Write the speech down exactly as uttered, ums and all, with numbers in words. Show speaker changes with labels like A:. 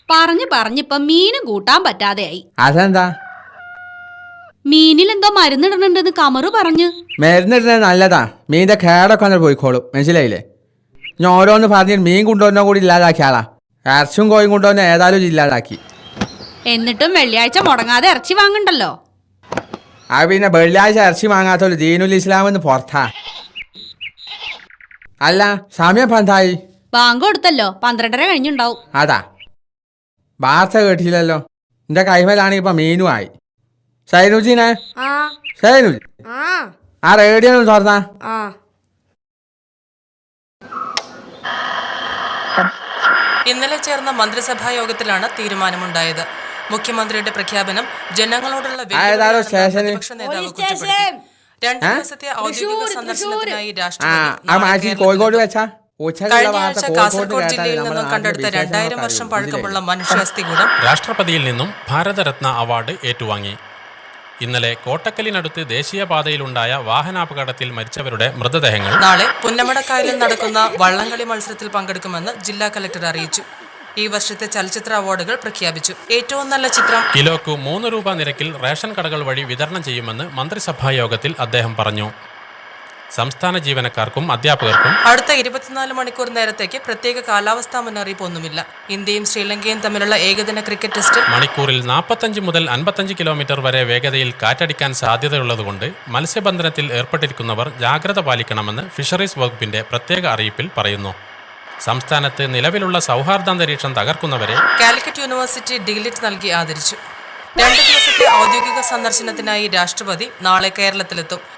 A: പറഞ്ഞു പറഞ്ഞിപ്പം മീനും കൂട്ടാൻ പറ്റാതെയായി.
B: അതെന്താ?
A: മീനിൽ എന്തോ മരുന്നിടണുണ്ടെന്ന് കമറു പറഞ്ഞു.
B: മരുന്നിടുന്നത് നല്ലതാ, മീനിന്റെ കേടൊക്കെ ഒന്ന് പോയിക്കോളും, മനസ്സിലായില്ലേ? ഞാൻ ഓരോന്ന് പറഞ്ഞിട്ട് മീൻ കൊണ്ടുവന്ന കൂടി ഇല്ലാതാക്കിയാളാ. ഇറച്ചും കോയും കൊണ്ടുവന്ന ഏതായാലും ഇല്ലാതാക്കി.
A: എന്നിട്ടും വെള്ളിയാഴ്ച മുടങ്ങാതെ ഇറച്ചി വാങ്ങണ്ടല്ലോ.
B: അത് പിന്നെ വെള്ളിയാഴ്ച ഇറച്ചി വാങ്ങാത്തോളൂ ദീനുൽ ഇസ്ലാം എന്ന് പുറത്താ. അല്ല, സമയം പന്തായി?
A: ബാങ്ക് കൊടുത്തല്ലോ, പന്ത്രണ്ടര കഴിഞ്ഞുണ്ടാവും.
B: അതാ, വാർത്ത കേട്ടില്ലല്ലോ. എന്റെ കൈമേലാണെങ്കിൽ ഇപ്പൊ മീനും ആയി. സൈനുജിനെ സൈനുജി ആ റേഡിയോ ഒന്ന് തുറന്നാ.
C: ഇന്നലെ ചേർന്ന മന്ത്രിസഭാ യോഗത്തിലാണ് തീരുമാനമുണ്ടായത്. മുഖ്യമന്ത്രിയുടെ പ്രഖ്യാപനം ജനങ്ങളോടുള്ള പ്രതിപക്ഷ നേതാവ് കുറ്റപ്പെടുത്തി. രണ്ടു ദിവസത്തെ ഔദ്യോഗിക സന്ദർശനത്തിനായി കഴിഞ്ഞ ആഴ്ച കാസർഗോഡ് ജില്ലയിൽ നിന്നും കണ്ടെടുത്ത രണ്ടായിരം വർഷം പഴക്കമുള്ള മനുഷ്യാസ്ഥികൂടം
D: രാഷ്ട്രപതിയിൽ നിന്നും ഭാരതരത്ന അവാർഡ് ഏറ്റുവാങ്ങി. ഇന്നലെ കോട്ടക്കലിനടുത്ത് ദേശീയപാതയിലുണ്ടായ വാഹനാപകടത്തിൽ മരിച്ചവരുടെ മൃതദേഹങ്ങൾ
C: നാളെ പുന്നമടക്കായലിൽ നടക്കുന്ന വള്ളംകളി മത്സരത്തിൽ പങ്കെടുക്കുമെന്ന് ജില്ലാ കലക്ടർ അറിയിച്ചു. ഈ വർഷത്തെ ചലച്ചിത്ര അവാർഡുകൾ പ്രഖ്യാപിച്ചു. ഏറ്റവും നല്ല ചിത്രം
D: കിലോക്ക് മൂന്ന് രൂപ നിരക്കിൽ റേഷൻ കടകൾ വഴി വിതരണം ചെയ്യുമെന്ന് മന്ത്രിസഭാ യോഗത്തിൽ അദ്ദേഹം പറഞ്ഞു. സംസ്ഥാന ജീവനക്കാർക്കും അധ്യാപകർക്കും
C: അടുത്ത ഇരുപത്തിനാല് മണിക്കൂർ നേരത്തേക്ക് പ്രത്യേക കാലാവസ്ഥാ മുന്നറിയിപ്പ് ഒന്നുമില്ല. ഇന്ത്യയും ശ്രീലങ്കയും തമ്മിലുള്ള ഏകദിന ക്രിക്കറ്റ് ടെസ്റ്റിൽ
D: മണിക്കൂറിൽ നാൽപ്പത്തഞ്ച് മുതൽ അൻപത്തഞ്ച് കിലോമീറ്റർ വരെ വേഗതയിൽ കാറ്റടിക്കാൻ സാധ്യതയുള്ളതുകൊണ്ട് മത്സ്യബന്ധനത്തിൽ ഏർപ്പെട്ടിരിക്കുന്നവർ ജാഗ്രത പാലിക്കണമെന്ന് ഫിഷറീസ് വകുപ്പിന്റെ പ്രത്യേക അറിയിപ്പിൽ പറയുന്നു. സംസ്ഥാനത്ത് നിലവിലുള്ള സൗഹാർദ്ദാന്തരീക്ഷം തകർക്കുന്നവരെ
C: കാലിക്കറ്റ് യൂണിവേഴ്സിറ്റി ഡിഗ്ലിറ്റ് നൽകി ആദരിച്ചു. രണ്ട് ദിവസത്തെ ഔദ്യോഗിക സന്ദർശനത്തിനായി രാഷ്ട്രപതി നാളെ കേരളത്തിലെത്തും.